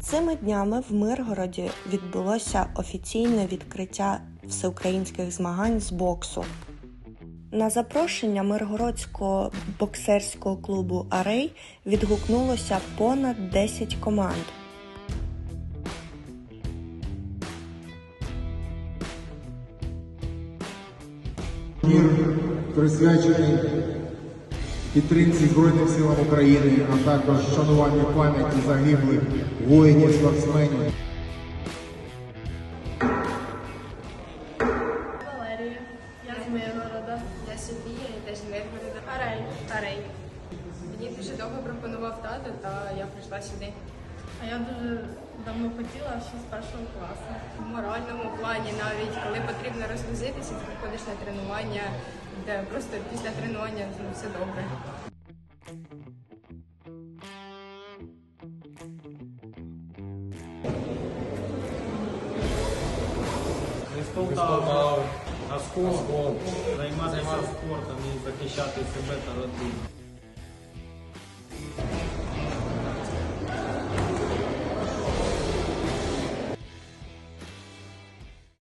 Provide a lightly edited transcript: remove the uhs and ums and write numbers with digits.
Цими днями в Миргороді відбулося офіційне відкриття всеукраїнських змагань з боксу. На запрошення Миргородського боксерського клубу «Арей» відгукнулося понад 10 команд. Турнір присвячений підтримці Збройних сил України, а також шануванню пам'яті загиблих воїнів-спортсменів. Валерія, я з Миргорода. Я Софія, я теж з Миргорода. Арей. Мені дуже довго пропонував тато, та я прийшла сюди. А я дуже давно хотіла, ще з першого класу. В моральному плані навіть, коли потрібно розгрузитися, ти приходиш на тренування, де просто після тренування все добре. З Полтави, Оскол, займатися спортом і захищати себе та родину.